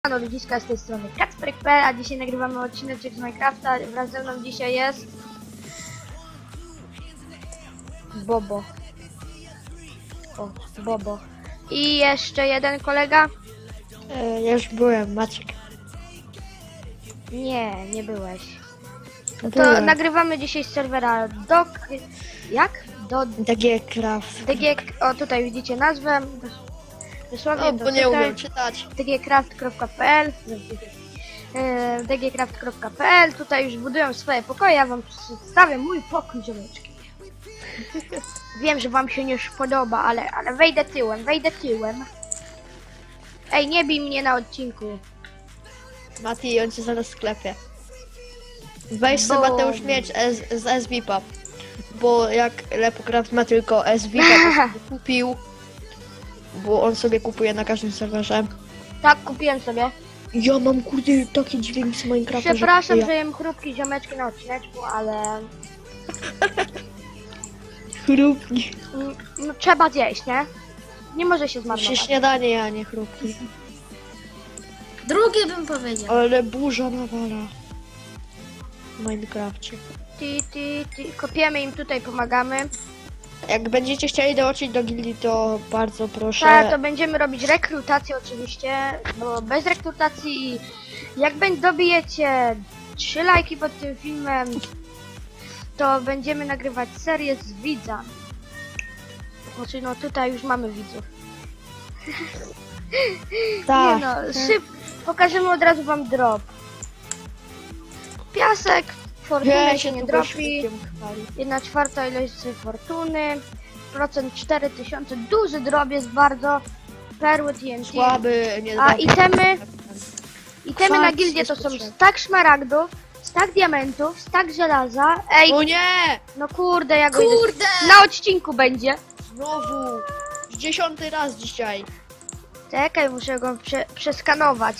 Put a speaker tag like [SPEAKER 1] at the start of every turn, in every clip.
[SPEAKER 1] No ludziska, z tej strony Kacperek.pl, a dzisiaj nagrywamy odcinek z Minecrafta. Wraz ze mną dzisiaj jest Bobo. O, Bobo. I jeszcze jeden kolega.
[SPEAKER 2] Ja już byłem, Maciek.
[SPEAKER 1] Nie byłeś. No to
[SPEAKER 2] Byłem.
[SPEAKER 1] nagrywamy dzisiaj z serwera
[SPEAKER 2] DG Craft.
[SPEAKER 1] DG. O, tutaj widzicie nazwę. Dosłownie
[SPEAKER 2] O, bo nie umiem czytać.
[SPEAKER 1] dgcraft.pl dgcraft.pl. Tutaj już budują swoje pokoje. Ja wam przedstawię mój pokój, ziomeczki. Wiem, że wam się nie podoba, ale wejdę tyłem. Ej, nie bij mnie na odcinku.
[SPEAKER 2] Mati, on cię zaraz sklepie. Weź sobie
[SPEAKER 1] Bo-
[SPEAKER 2] Mateusz miecz z SVP-a. Bo jak Lepocraft ma tylko SVP, to sobie kupił. Bo on sobie kupuje na każdym serwerze.
[SPEAKER 1] Tak, kupiłem sobie.
[SPEAKER 2] Ja mam kurde taki dźwięk z Minecrafta,
[SPEAKER 1] Przepraszam,
[SPEAKER 2] że
[SPEAKER 1] że jem chrupki ziomeczki na odcineczku, ale
[SPEAKER 2] chrupki.
[SPEAKER 1] no, trzeba zjeść, nie? Nie może się
[SPEAKER 2] Się
[SPEAKER 1] zmarnować.
[SPEAKER 2] śniadanie, a nie chrupki.
[SPEAKER 3] Drugie bym powiedział.
[SPEAKER 2] Ale burza nawala. W Minecrafcie.
[SPEAKER 1] Kopiemy im tutaj, pomagamy.
[SPEAKER 2] Jak będziecie chcieli dołączyć do gildii, to bardzo proszę.
[SPEAKER 1] Tak, to będziemy robić rekrutację oczywiście, bo bez rekrutacji, jak dobijecie 3 lajki pod tym filmem, to będziemy nagrywać serię z widzami. Znaczy, no tutaj już mamy widzów.
[SPEAKER 2] Tak.
[SPEAKER 1] Nie no, pokażemy od razu wam drop. Piasek, fortuny się nie
[SPEAKER 2] tylko
[SPEAKER 1] dropi.
[SPEAKER 2] świetkiem chwali.
[SPEAKER 1] 1/4 ilości fortuny, procent 4000, duży drop jest bardzo, perły TNT,
[SPEAKER 2] Słaby, nie
[SPEAKER 1] a
[SPEAKER 2] da-
[SPEAKER 1] itemy na
[SPEAKER 2] Kwarc
[SPEAKER 1] gildię
[SPEAKER 2] jest
[SPEAKER 1] to są
[SPEAKER 2] potrzebny.
[SPEAKER 1] stack szmaragdów, stack diamentów, stack żelaza, ej,
[SPEAKER 2] O nie!
[SPEAKER 1] no kurde, jak
[SPEAKER 3] Kurde!
[SPEAKER 1] na odcinku będzie,
[SPEAKER 2] Znowu! Już 10. raz dzisiaj.
[SPEAKER 1] czekaj, muszę go przeskanować,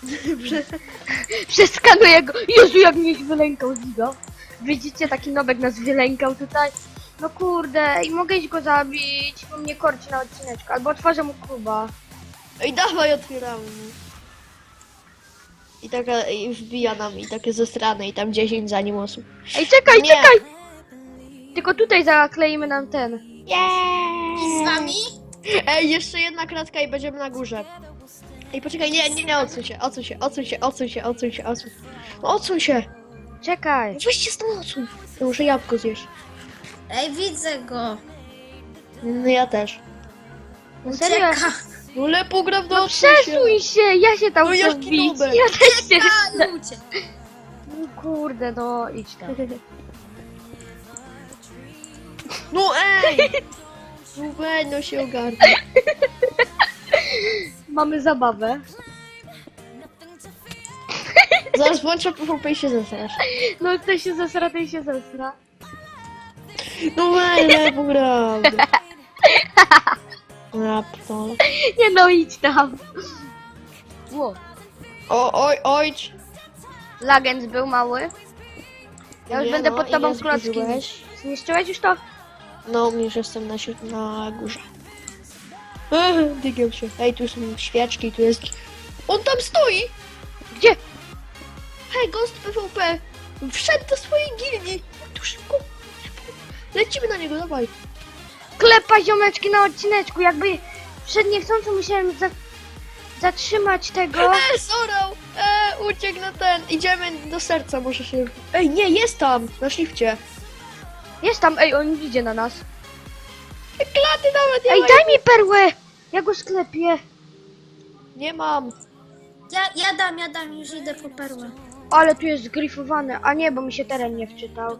[SPEAKER 1] przeskanuję go, Jezu, jak mnie wylękał z niego, widzicie, taki nowek nas wylękał tutaj. No kurde, i mogę iść go zabić, bo mnie korci na odcineczku, albo otworzę mu kuba.
[SPEAKER 2] Ej, dawaj, otwieramy. I taka i wbija nam i takie ze strony i tam 10 za nim osób.
[SPEAKER 1] Ej, czekaj,
[SPEAKER 2] Nie.
[SPEAKER 1] czekaj! Tylko tutaj zakleimy nam ten.
[SPEAKER 3] I z wami?
[SPEAKER 2] Ej, jeszcze jedna kratka i będziemy na górze. Ej, poczekaj, nie, odsuń się. No odsuń się.
[SPEAKER 1] Czekaj.
[SPEAKER 2] Weźcie stąd, odsuń. Ja muszę jabłko zjeść.
[SPEAKER 3] Ej, widzę go.
[SPEAKER 2] No ja też.
[SPEAKER 1] No serio?
[SPEAKER 2] No Lepograf,
[SPEAKER 1] No przesuń się, ja się tam
[SPEAKER 2] No
[SPEAKER 1] chcę
[SPEAKER 2] jaki
[SPEAKER 1] wbić.
[SPEAKER 2] nubek.
[SPEAKER 1] Ja też się chcę.
[SPEAKER 3] A, ludzie.
[SPEAKER 1] No kurde, no idź tam.
[SPEAKER 2] No ej! No weź, no się ogarnij.
[SPEAKER 1] Mamy zabawę.
[SPEAKER 2] Zaraz włączę PvP i się zesrasz.
[SPEAKER 1] No ty się zesra, ty się zesra.
[SPEAKER 2] No weź, Lepograf. Raptol.
[SPEAKER 1] Nie no, idź tam. Ło.
[SPEAKER 2] Ojcz.
[SPEAKER 1] Lagens był mały. Ja już
[SPEAKER 2] Nie,
[SPEAKER 1] będę
[SPEAKER 2] no,
[SPEAKER 1] pod tobą
[SPEAKER 2] ile
[SPEAKER 1] klocki.
[SPEAKER 2] zbliżyłeś?
[SPEAKER 1] Zniszczyłeś już to?
[SPEAKER 2] No, już jestem na górze. Dygię się. Ej, tu są świeczki, tu jest... On tam stoi!
[SPEAKER 1] Gdzie?
[SPEAKER 2] Hej, Ghost PvP! Wszedł do swojej gildii! Tu szybko! Lecimy na niego, dawaj!
[SPEAKER 1] Klepa ziomeczki na odcineczku, jakby przed niechcącą musiałem zatrzymać tego.
[SPEAKER 2] Zorał! Uciekł na ten! Idziemy do serca, może się... Ej, nie, jest tam! Na shifcie!
[SPEAKER 1] Jest tam, ej, on idzie na nas.
[SPEAKER 2] Klaty nawet nie
[SPEAKER 1] Ej,
[SPEAKER 2] ma!
[SPEAKER 1] daj mi perłę! Ja go sklepię.
[SPEAKER 2] Nie mam!
[SPEAKER 3] Ja dam, już idę po perłę.
[SPEAKER 1] Ale tu jest zgrifowane. A nie, bo mi się teren nie wczytał.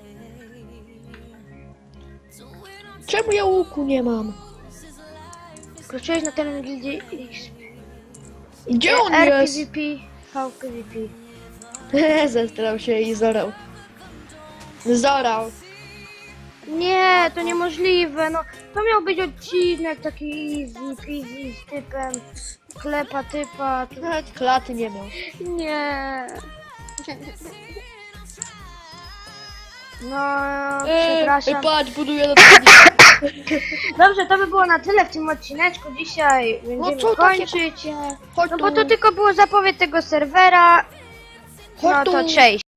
[SPEAKER 2] Czemu ja łuku nie mam?
[SPEAKER 1] Wkroczyłeś na teren gildii X.
[SPEAKER 2] Gdzie on jest?
[SPEAKER 1] RPVP, VPVP.
[SPEAKER 2] Zestrał się i zorał. Zorał.
[SPEAKER 1] Nie, to niemożliwe, no. To miał być odcinek taki easy peasy z typem klepa typa.
[SPEAKER 2] Nawet klaty nie miał.
[SPEAKER 1] Nie. No, przepraszam.
[SPEAKER 2] Patrz, buduję na
[SPEAKER 1] Dobrze, to by było na tyle w tym odcineczku. Dzisiaj będziemy
[SPEAKER 2] co takie
[SPEAKER 1] kończyć.
[SPEAKER 2] Chodź
[SPEAKER 1] No
[SPEAKER 2] tu.
[SPEAKER 1] bo to tylko było zapowiedź tego serwera.
[SPEAKER 2] Chodź
[SPEAKER 1] No to
[SPEAKER 2] tu.
[SPEAKER 1] cześć.